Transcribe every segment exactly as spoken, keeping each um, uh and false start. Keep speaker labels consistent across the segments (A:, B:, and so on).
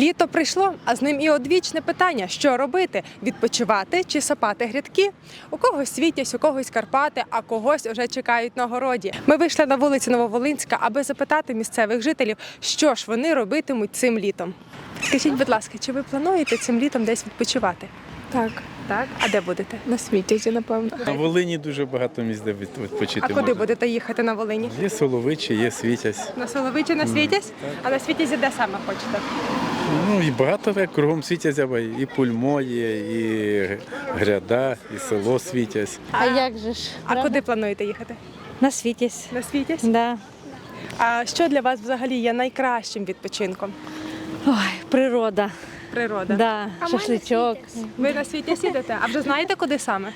A: Літо прийшло, а з ним і одвічне питання, що робити – відпочивати чи сапати грядки? У когось Світязь, у когось Карпати, а когось вже чекають на городі. Ми вийшли на вулицю Нововолинська, аби запитати місцевих жителів, що ж вони робитимуть цим літом. Скажіть, будь ласка, чи ви плануєте цим літом десь відпочивати?
B: Так,
A: Так. А де будете?
B: на Світязі, напевно.
C: На Волині дуже багато місць, де від- відпочити
A: А куди
C: можна.
A: будете їхати на Волині?
C: Є Соловичі, є Світязь.
A: На Соловичі, на Світязь? А на Світязі де саме хочете?
C: Ну і багато так, кругом Світязя, і Пульмо є, і Гряда, і село Світязь.
D: А як же ж?
A: А куди плануєте їхати?
D: На Світязь.
A: На Світязь?
D: Да.
A: А що для вас взагалі є найкращим відпочинком?
D: Ой, природа.
A: Природа.
D: Да.
A: А ми
D: Шашличок.
A: Ви на Світязь їдете? А вже знаєте, куди саме?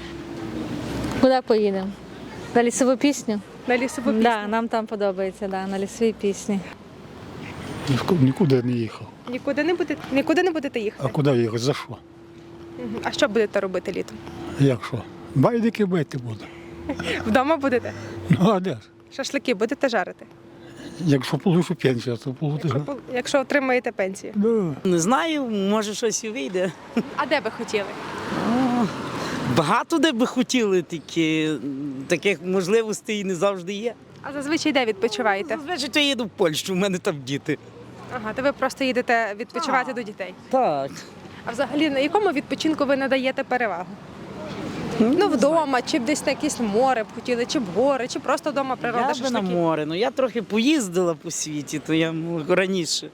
D: Куди поїдемо? На лісову пісню?
A: На лісову пісню?
D: Да, нам там подобається, да, на лісовій пісні.
E: Ні- Нікуди не їхав.
A: Нікуди не будете, нікуди не будете
E: А
A: їхати?
E: куди їхати? За що?
A: Мгм. А що будете робити літом?
E: Як що? Байдики бити буду.
A: Вдома будете?
E: Ну а де ж?
A: Шашлики будете жарити?
E: Якщо получу пенсію, то
A: Якщо,
E: получу.
A: пол- якщо отримаєте пенсію.
E: Да.
F: Не знаю, може щось і вийде.
A: А де би хотіли?
F: Багато де би хотіли, тільки м, таких можливостей не завжди є.
A: А зазвичай де відпочиваєте?
F: Зазвичай то я їду в Польщу, у мене там діти.
A: Ага, то ви просто їдете відпочивати до дітей.
F: Так.
A: А взагалі на якому відпочинку ви надаєте перевагу? Ну, вдома, чи б десь на якесь море б хотіли, чи в гори, чи просто вдома природа,
F: Я би на
A: шашлики?
F: море. Ну я трохи поїздила по світі, то я м, раніше.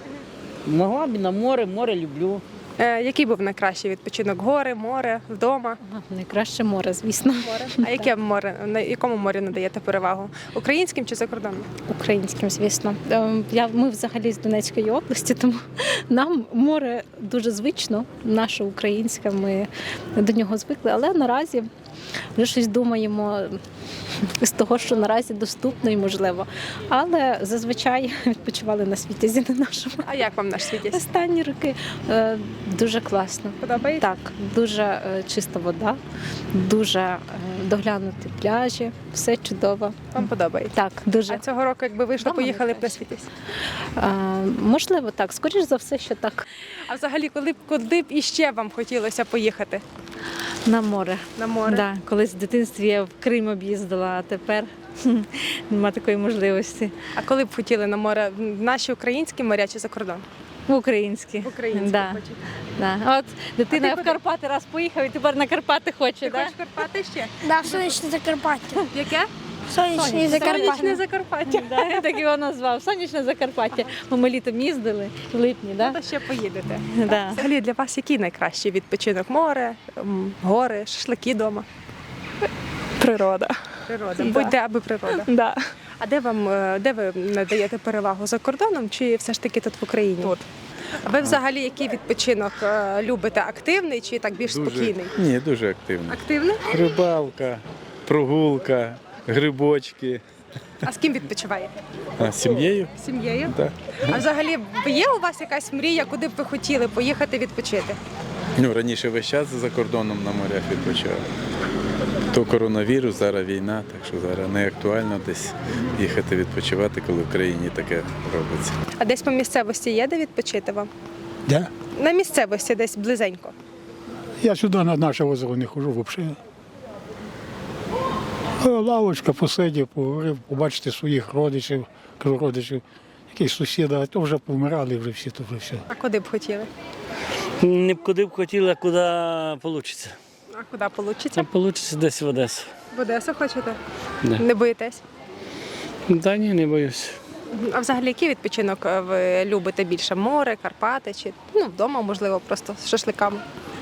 F: Могла б і на море, море люблю.
A: Е, який був найкращий відпочинок? Гори, море, вдома?
D: Найкраще море, звісно.
A: Море. А яке море? На якому морі надаєте перевагу? Українським чи закордонним?
D: Українським, звісно. Ем, Я, ми взагалі з Донецької області, тому нам море дуже звично, наше українське, ми до нього звикли, але наразі вже щось думаємо з того, що наразі доступно і можливо. Але зазвичай відпочивали на Світязі, на нашому.
A: А як вам наш Світязь?
D: Останні роки е, дуже класно.
A: Подобається?
D: Так, дуже е, чиста вода, дуже е, доглянуті пляжі, все чудово.
A: Вам подобається?
D: Так, дуже.
A: А цього року, якби вийшло,
D: Вдома
A: поїхали б на
D: найкраще.
A: Світязь?
D: Е, можливо, так. Скоріш за все, що так.
A: А взагалі, коли б, куди б іще вам хотілося поїхати?
D: На море.
A: На море?
D: Да, колись в дитинстві я в Крим об'їздила, а тепер нема такої можливості.
A: А коли б хотіли на море? В наші українські моря чи за кордон?
D: В українські.
A: В українські
D: Да,
A: хочете.
D: да. От дитина
A: А ти
D: в
A: куди?
D: Карпати раз поїхав і тепер на Карпати хоче.
A: Ти
D: Да?
A: хочеш Карпати ще?
G: Да, в сонячне Закарпаття.
A: Яке?
G: Сонячне
A: Сонячне
G: Закарпаття.
A: Закарпаття.
D: Да, я так його назвав. Сонячне Закарпаття. Бо ми літом їздили в липні, да?
A: То ще поїдете.
D: Да.
A: Взагалі для вас який найкращий відпочинок? Море, м, гори, шашлики вдома?
B: Природа.
A: Природа. Будь-де, аби природа.
B: Да.
A: А де вам е, де ви надаєте перевагу за кордоном чи все ж таки тут в Україні?
B: Тут.
A: А ви взагалі який відпочинок е, любите? Активний чи так більш спокійний?
C: Ні, дуже активно.
A: Активний?
C: Рибалка, прогулка, грибочки.
A: А з ким відпочиваєте?
C: А з сім'єю?
A: З сім'єю?
C: Так.
A: А взагалі є у вас якась мрія, куди б ви хотіли поїхати відпочити?
C: Ну, раніше весь час за кордоном на морях відпочивав. То коронавірус, зараз війна, так що зараз не актуально десь їхати відпочивати, коли в країні таке робиться.
A: А десь по місцевості є де відпочити вам?
E: Де?
A: На місцевості десь близенько.
E: Я сюди на наше озеро не ходжу взагалі. Е, Лавочка посидів, поговорив, побачити своїх родичів, кажу, родичів, якісь сусіди, а то вже помирали вже всі, то вже все.
A: А куди б хотіли?
H: Не б куди б хотіла, куди вийде.
A: А куди вийде?
H: Це вийде десь в Одесу.
A: В Одесу хочете?
H: Да.
A: Не боїтесь?
H: Та ні, не боюсь.
A: А взагалі який відпочинок е, ви любите більше? Море, Карпати чи ну, вдома, можливо, просто з шашликами?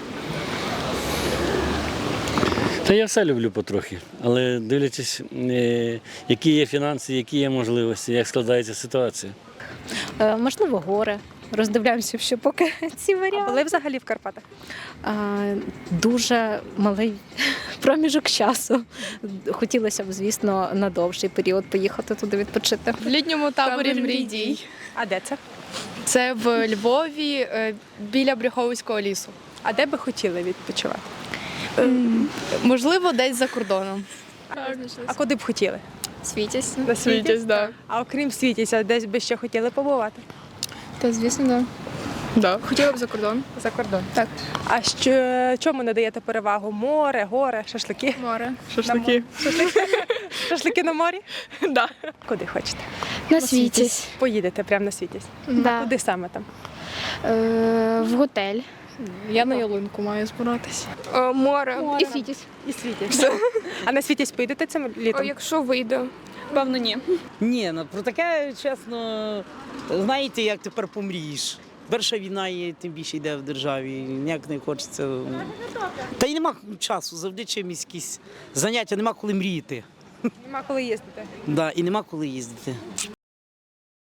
H: Та я все люблю потрохи, але дивлячись, е, які є фінанси, які є можливості, як складається ситуація.
D: Е, можливо, гори. Роздивляємося, що поки ці
A: А
D: варіанти.
A: були взагалі в Карпатах?
D: А, дуже малий проміжок часу. Хотілося б, звісно, на довший період поїхати туди відпочити.
B: В літньому таборі мрій дій.
A: А де це?
B: Це в Львові е, біля Брюховицького лісу.
A: А де би хотіли відпочивати?
B: Можливо, десь за кордоном.
A: А куди б хотіли?
B: Світязь.
A: На Світязь?
B: да.
A: А окрім Світязя, десь би ще хотіли побувати?
B: Та звісно, да. Да. Хотіла б за кордон.
A: За кордон.
B: Так.
A: А що чому надаєте перевагу? Море, гори, шашлики?
B: Море.
A: Шашлики. Шашлики на морі?
B: Да.
A: Куди хочете?
I: На світязь.
A: Поїдете прямо на світязь.
I: Да.
A: Куди саме там?
I: Е, в готель.
B: Я на ялинку маю збиратися.
I: Море. І світязь.
A: І світязь. А на світязь поїдете цим літом?
B: Якщо вийде. Певно, ні.
F: Ні, ну про таке, чесно, знаєте, як тепер помрієш. Перша війна є, тим більше йде в державі, ніяк не хочеться. Та й нема часу, завжди чимось якісь заняття, нема коли мріяти.
A: Нема коли їздити.
F: Да, і нема коли їздити.